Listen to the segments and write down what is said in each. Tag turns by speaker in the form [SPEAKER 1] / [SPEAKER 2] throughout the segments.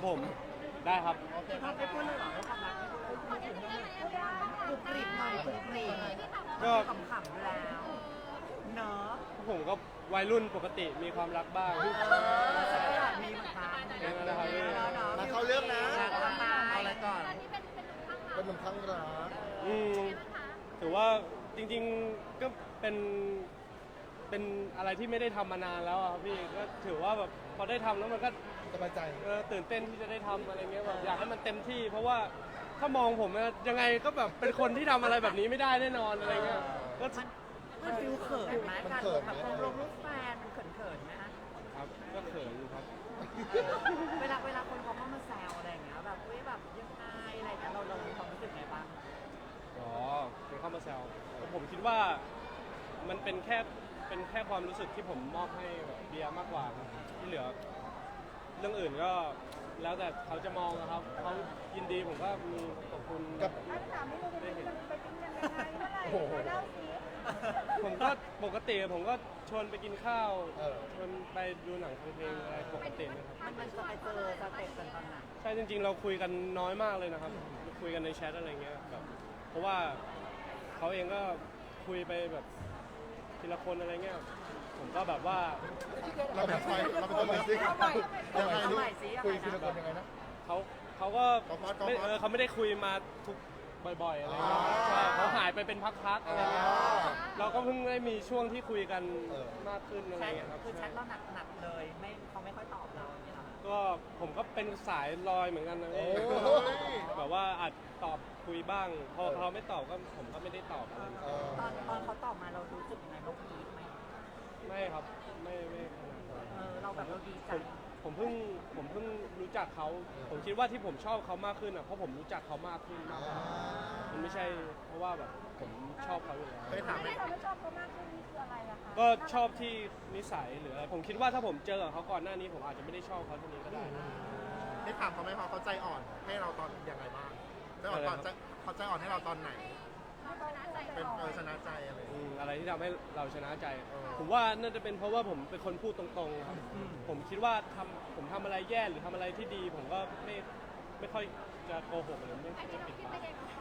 [SPEAKER 1] ครับผมได้ครับ
[SPEAKER 2] พี่ท็อปได้พูดเลยเหรอความรักไม่พูดเลยกรุบกริบหน่อยกรุบกริบก็ขำๆอยู่แล้วเนาะ
[SPEAKER 1] ผมก็วัยรุ่นปกติมีความรักบ้าง
[SPEAKER 2] มีเหมือนกัน
[SPEAKER 3] มาเข้าเรื่องนะ
[SPEAKER 2] เอาอะไรก่อน
[SPEAKER 3] เป็นหนุ่มข้างรัก
[SPEAKER 1] ถือว่าจริงๆก็เป็นอะไรที่ไม่ได้ทำมานานแล้วครับพี่ก็ถือว่าแบบพอได้ทำแล้วมันก็
[SPEAKER 3] สบายใจ
[SPEAKER 1] ตื่นเต้นที่จะได้ทำอะไรเงี้ยแบบอยากให้มันเต็มที่เพราะว่าถ้ามองผมยังไงก็แบบเป็นคนที่ทำอะไรแบบนี้ไม่ได้แน่นอนอะไรเงี้ยก็
[SPEAKER 2] มันฟิลเขินไหมการแบบลงรูปแฟนมันเขินไหมฮะ
[SPEAKER 1] ครับก็เขินอยู่ครับ
[SPEAKER 2] เวลาคนเขาเข้ามาแซวอะไรอย่างเงี้ยแบบแบบยังไงอะไรเงี้ยเรามีความรู้สึกไงบ้าง
[SPEAKER 1] อ๋อเป็นเข้ามาแซวผมคิดว่ามันเป็นแค่ความรู้สึกที่ผมมอบให้แบบเบียร์มากกว่าที่เหลือเรื่องอื่นก็แล้วแต่เขาจะมองนะครับเขายินดีผมก็มีขอบคุณ
[SPEAKER 3] กับ
[SPEAKER 1] ได้เห็น
[SPEAKER 4] ไปกินกันยังไงเมื่อไหร่เล่าสิ
[SPEAKER 1] ผมก็ปกติผมก็ชวนไปกินข้าวชวนไปดูหนังฟังเพลงอะไรปกตินะครับ
[SPEAKER 2] มันจะไปเจอสเต็ปกันตอนไหน
[SPEAKER 1] ใช่จริงๆเราคุยกันน้อยมากเลยนะครับคุยกันในแชทอะไรเงี้ยแบบเพราะว่าเขาเองก็คุยไปแบบทีละคนอะไรเงี้ยผมก็แบบว่า
[SPEAKER 3] เราเป็นคนใหม่สิยังไงลูกคุยทีละคนยังไงนะ
[SPEAKER 1] เขาก็เขาไม่ได้คุยมาทุกบ่อยๆอะไรเงี้ยใช่เขาหายไปเป็นพักๆอะไรเงี้ยเราก็เพิ่งได้มีช่วงที่คุยกันมากขึ้นอะไรเงี้ยครับ
[SPEAKER 2] คือแชทเราหนักเลยเขาไม่ค่อยตอบเราอย่างเงี้ยหรอ
[SPEAKER 1] ก็ผมก็เป็นสายลอยเหมือนกันนะแบบว่าอาจตอบคุยบ้างพอเขาไม่ตอบก็ผมก็ไม่ได้ตอบอะไร
[SPEAKER 2] ตอนเขาตอบมาเรารู้สึกยังไงเราพีคไหม
[SPEAKER 1] ไม่ครับไม่
[SPEAKER 2] เราแบบเราดีใจ
[SPEAKER 1] ผมเพิ่งรู้จักเขาผมคิดว่าที่ผมชอบเขามากขึ้นอ่ะเพราะผมรู้จักเขามากขึ้นมากมันไม่ใช่เพราะว่าแบบผมชอบเขาอยู่แล้ว
[SPEAKER 4] ที่ทำให้ชอบเขามากขึ้นนี่คืออะไรล่ะคะ
[SPEAKER 1] ก็ชอบที่นิสัยหรืออะไรผมคิดว่าถ้าผมเจอเขาก่อนหน้านี้ผมอาจจะไม่ได้ชอบเขาเท่านี้ก็ได้
[SPEAKER 3] ได้ถามเขาไหมเขาใจอ่อนให้เราตอนยังไงบ้างใจอ่อนเขาใจอ่อนให้เราตอนไหนเป็นชนะใจ
[SPEAKER 1] อะไรที่ทำให้เราชนะใจผมว่าน่าจะเป็นเพราะว่าผมเป็นคนพูดตรงๆครับผมคิดว่าผมทำอะไรแย่หรือทำอะไรที่ดีผมก็ไม่ค่อยจะโกหกหรือไม่ปิดบั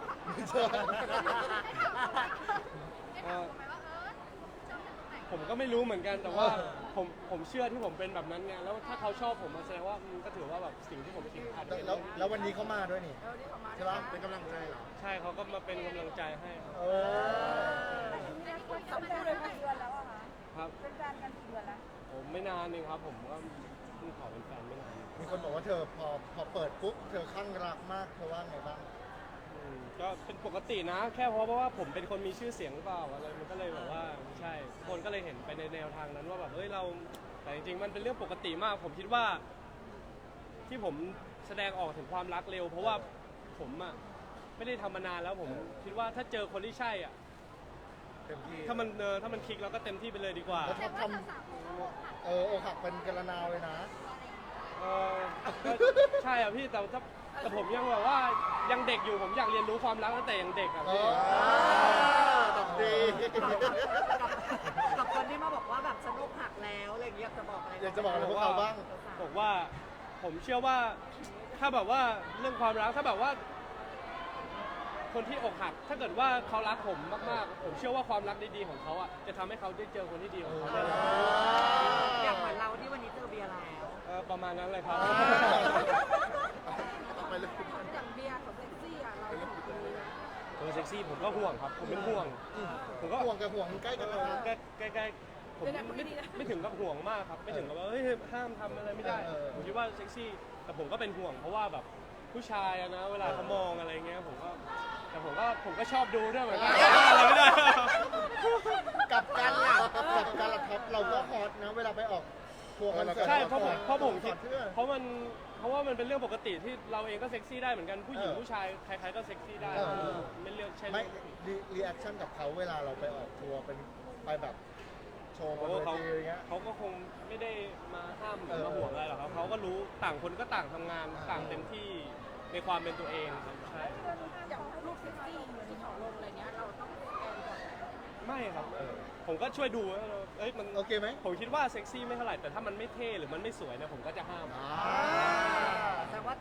[SPEAKER 1] งผมก็ไม่รู้เหมือนกันแต่ว่าผมเชื่อที่ผมเป็นแบบนั้นไงแล้วถ้าเขาชอบผมแสดงว่าก็ถือว่าแบบสิ่งที่ผมคิดอาจจะ
[SPEAKER 3] แล้ววันนี้เขามาด้วยนี่ใช่ปะเป็นกำลังใจเหรอ
[SPEAKER 1] ใช่เขาก็มาเป็นกำลังใจให้
[SPEAKER 4] เขาพูดเลยกี่เดือนแล้วอะคะ
[SPEAKER 1] ครับ
[SPEAKER 4] เป็นแฟนกันกี่เดือนแล้ว
[SPEAKER 1] ผมไม่นานเองครับผมก็เพิ่งขอเป็นแฟนไม่นาน
[SPEAKER 3] มีคนบอกว่าเธอพอเปิดปุ๊บเธอคลั่งรักมากเธอว่าไงบ้าง
[SPEAKER 1] ก็เป็นปกตินะแค่เพราะว่าผมเป็นคนมีชื่อเสียงหรือเปล่าอะไรมันก็เลยแบบว่าใช่คนก็เลยเห็นไปในแนวทางนั้นว่าแบบเฮ้ยเราแต่จริงๆมันเป็นเรื่องปกติมากผมคิดว่าที่ผมแสดงออกถึงความรักเร็วเพราะว่าผมอ่ะไม่ได้ทำมานานแล้วผมคิดว่าถ้าเจอคนที่ใช่อ่ะ
[SPEAKER 3] เต็มที่
[SPEAKER 1] ถ้ามันคลิกเราก็เต็มที่ไปเลยดีกว่า
[SPEAKER 3] แล้วทำอกหักเป็นกระนาวเลยนะ
[SPEAKER 1] ใช่อ่ะพี่แต่ผมยังแบบว่ายังเด็กอยู่ผมอยากเรียนรู้ความรักตั้งแต่ยังเด็กอ่ะพี่
[SPEAKER 3] ดี
[SPEAKER 2] กับคนที่มาบอกว่าแบบฉันอกหักแล้วอะไรอย่างเงี้ยจะบอกอะไร
[SPEAKER 3] อยากจะบอกอะไรพวกเขาบ้าง
[SPEAKER 1] บอกว่าผมเชื่อว่าถ้าแบบว่าเรื่องความรักถ้าแบบว่าคนที่อกหักถ้าเกิดว่าเขารักผมมากๆผมเชื่อว่าความรักดีๆของเขาอ่ะจะทำให้เขาได้เจอคนที่ดีของเขาได้
[SPEAKER 2] อย่างเหมือนเราที่วันนี้เจอเบียร์แล้ว
[SPEAKER 1] ประมาณนั้นเลยครับ
[SPEAKER 4] อย่างเบียร์กับเซ็กซี่อะเรา
[SPEAKER 1] เซ็กซี่ผมก็ห่วงครับผมเป็นห่วงผมก็
[SPEAKER 3] ห่วงกับห่วงใกล้กัน
[SPEAKER 1] ใกล้ผมไม่ถึงกับห่วงมากครับไม่ถึงกับว่าเฮ้ยห้ามทำอะไรไม่ได้ผมคิดว่าเซ็กซี่แต่ผมก็เป็นห่วงเพราะว่าแบบผู้ชายนะเวลาเขามองอะไรเงี้ยผมก็ชอบดูด้วยเหมือนกันอะไรไม่ได้
[SPEAKER 3] กับการหลับท็อปเราก็ฮอตนะเวลาไปออกทัวร์คอนเสิร์ต
[SPEAKER 1] ใช่เพราะผมคิดเพราะว่ามันเป็นเรื่องปกติที่เราเองก็เซ็กซี่ได้เหมือนกันผู้หญิงผู้ชายใครๆก็เซ็กซี่ได้ไม่เลือกใช่ไหม
[SPEAKER 3] รีแอคชั่นกับเขาเวลาเราไปออกทัวร์เป็นไปแบบโชว์บนเวทีอะไรเงี้ย
[SPEAKER 1] เขาก็คงไม่ได้มาห้ามหรือมาห่วงอะไรหรอกครับเขาก็รู้ต่างคนก็ต่างทำงานต่างเต็มที่ในความเป็นตัวเองใช่
[SPEAKER 4] อย่างรูปเซ็กซี่เหมือนที่เขาลงอะไรเงี้ยเราต้องสแกนก่อน
[SPEAKER 1] ไม่ครับผมก็ช่วยดูมัน
[SPEAKER 3] โอเคไหม
[SPEAKER 1] ผมคิดว่าเซ็กซี่ไม่เท่าไหร่แต่ถ้ามันไม่เท่หรือมันไม่สวยเนี่ยผมก็จะห้าม
[SPEAKER 2] แต่ว่า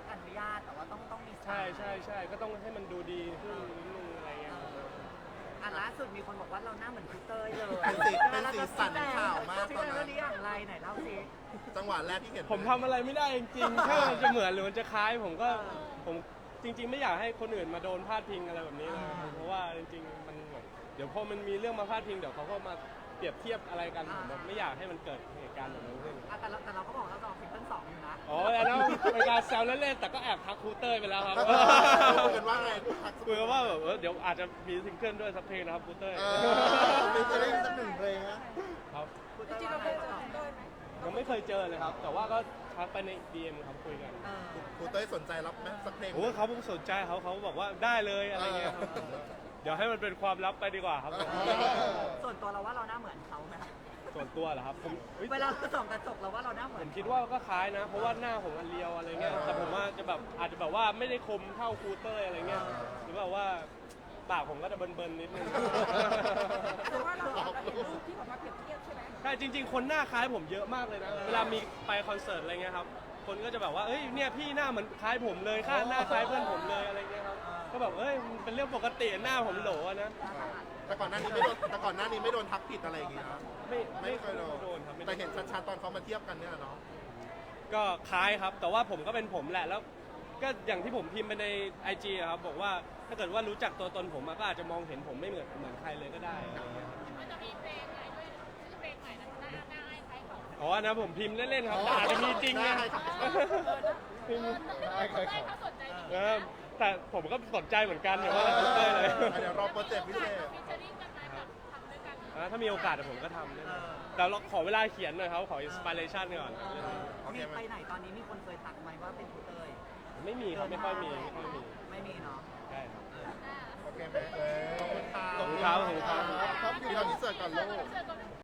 [SPEAKER 1] ช่ก็ต้องให้มันดูดีขึ้นนิดนึงอะไรเงี้ย
[SPEAKER 2] อ่ะล่าสุดมีคนบอกว่าเราหน้าเหมือนพี่เต้ยเลย
[SPEAKER 3] เป็นสีสันข่าวมาก
[SPEAKER 2] พี่
[SPEAKER 3] ตอน
[SPEAKER 2] เต้ย
[SPEAKER 3] นั้
[SPEAKER 2] วัน นนี้อย่างไรไหนเล่าสิ
[SPEAKER 3] จังหวะแรกที่เห็น
[SPEAKER 1] ผมทำอะไรไม่ได้จริงๆ ถ้ามันจะเหมือนหรือมันจะคล้ายผมก็ผมจริง ๆ ไม่อยากให้คนอื่นมาโดนพาดพิงอะไรแบบนี้เลยเพราะว่าจริงๆมันเหมือนเดี๋ยวพอมันมีเรื่องมาพาดพิงเดี๋ยวเขาก็มาเปรียบเทียบอะไรกันผมแบบไม่อยากให้มันเกิดเหตุการณ์แบบนั้นขึ้น
[SPEAKER 2] อ่ะแต่เราก็บอกเราจะออกซิงเกิล2อยู่นะ
[SPEAKER 1] อ๋อแล้วนั่นเป็นการแซวเล่นๆแต่ก็แอบทักครูเต้ยไปแล้วครับ
[SPEAKER 3] คุยกันว่าไง
[SPEAKER 1] คุยกันว่าแบบเดี๋ยวอาจจะมีซิงเกิลด้วยสักเพลงนะครับครูเต้ย
[SPEAKER 3] มีจะได้สักหนึ่งเพลงนะ
[SPEAKER 1] ครับ
[SPEAKER 2] คุณ
[SPEAKER 4] จ
[SPEAKER 2] เต้ย
[SPEAKER 4] ริงๆ
[SPEAKER 2] ว่า
[SPEAKER 4] เรา
[SPEAKER 2] ไง
[SPEAKER 4] เคยเจอ
[SPEAKER 2] ต่อ
[SPEAKER 4] พี่เต้ยไหม
[SPEAKER 1] ยังไม่เคยเจอเลยครับ แต่ว่าก็ทักไปใน DM ครับคุยกัน
[SPEAKER 3] ครูเต้ยสนใจรับไหมสักเพลง
[SPEAKER 1] โอ้เขาสนใจเขาบอกว่าได้เลยอะไรเงี้ยครับเดี๋ยวให้มันเป็นความลับไปดีกว่าครับ
[SPEAKER 2] ส่วนตัวเราว่าเราหน้าเหมือนเขาไหม
[SPEAKER 1] ส่วนตัวเหรอครับผมเฮ้ย
[SPEAKER 2] เวลาเราส่องกระจกเราว่าเราหน้าเหมื
[SPEAKER 1] ผ
[SPEAKER 2] อน
[SPEAKER 1] มคิดว่าก็คล้ายนะ เพราะว่าหน้าผมอันเรียวอะไรเงี้ยแต่ผมว่าจะแบบอาจจะแบบว่าไม่ได้คมเท่าครูเต้ยอะไรเงี้ยหรือแบบว่าปากผมก็จะเบิร์นๆนิดนึง
[SPEAKER 4] แต่ว่าเราก็เห็นรูปที่ออกมาเปรียบเทียบใช่ไหม
[SPEAKER 1] ใช่จริง ๆ คนหน้าคล้ายผมเยอะมากเลยนะ เวลามีไปคอนเสิร์ตอะไรเงี้ยครับ คนก็จะแบบว่า เอ้ย เนี่ยพี่หน้าเหมือนคล้ายผมเลยค่าหน้าคล้ายเพื่อนผมเลยอะไรเงี้ยครับ ก็แบบ เอ้ยมันเป็นเรื่องปกติหน้าผมโหลอะนะ
[SPEAKER 3] แต่ก่อนหน้านี้ไม่โดนทักผิดอะไรอย่างงี้นะ
[SPEAKER 1] ไม่เคยโดนครับ
[SPEAKER 3] แต่เห็นชัดๆตอนเขามาเทียบกันเนี่ยเนาะ
[SPEAKER 1] ก็คล้ายครับ แต่ว่าผมก็เป็นผมแหละ แล้วก็อย่างที่ผมพิมพ์ไปใน IG อะครับ บอกว่าถ้าเกิดว่ารู้จักตัวตนผมอะก็อาจจะมองเห็นผมไม่เหมือนใครเลยก็ได้อะไรเงี้ยครับ
[SPEAKER 4] มันจะมีเพลงใหม่ด้วยชื่อเพลงใหม่นะหน้าคล้ายของ
[SPEAKER 1] อ๋อนะผมพิมพ์เล่นๆครับแต่อาจจะมีจริงนะพิมพ์
[SPEAKER 4] เขาสนใจ
[SPEAKER 1] แต่ผมก็สนใจเหมือนกันอย่างว่าครูเต้ยเลย
[SPEAKER 3] เดี๋ยวรอโปรเจกต์พิเศษ
[SPEAKER 4] ฟิชเชอริ่งกันไหมแบบทำด้วยกัน
[SPEAKER 1] ถ้ามีโอกาสเดี๋ยวผมก็ทำด้วยนะแต่เราขอเวลาเขียนหน่อยครับ ขออินสปิเรชันก่อน
[SPEAKER 3] โอเค
[SPEAKER 2] มี
[SPEAKER 3] ไหม
[SPEAKER 2] ไปไหนตอนนี้มีคนเคยทักไหมว่าเป็นคุณเต้ย
[SPEAKER 1] ไม่มีครับ ไม่ค่อยมี
[SPEAKER 2] ไม่มีเนาะ
[SPEAKER 1] ใช่ครับ
[SPEAKER 3] โอเคไหมขอบคุณค่ะ
[SPEAKER 1] ขอบคุณครับขอบคุณครับ
[SPEAKER 3] ครับพี่เราอินเสิร์ตก่อนลูก
[SPEAKER 4] เจอกัน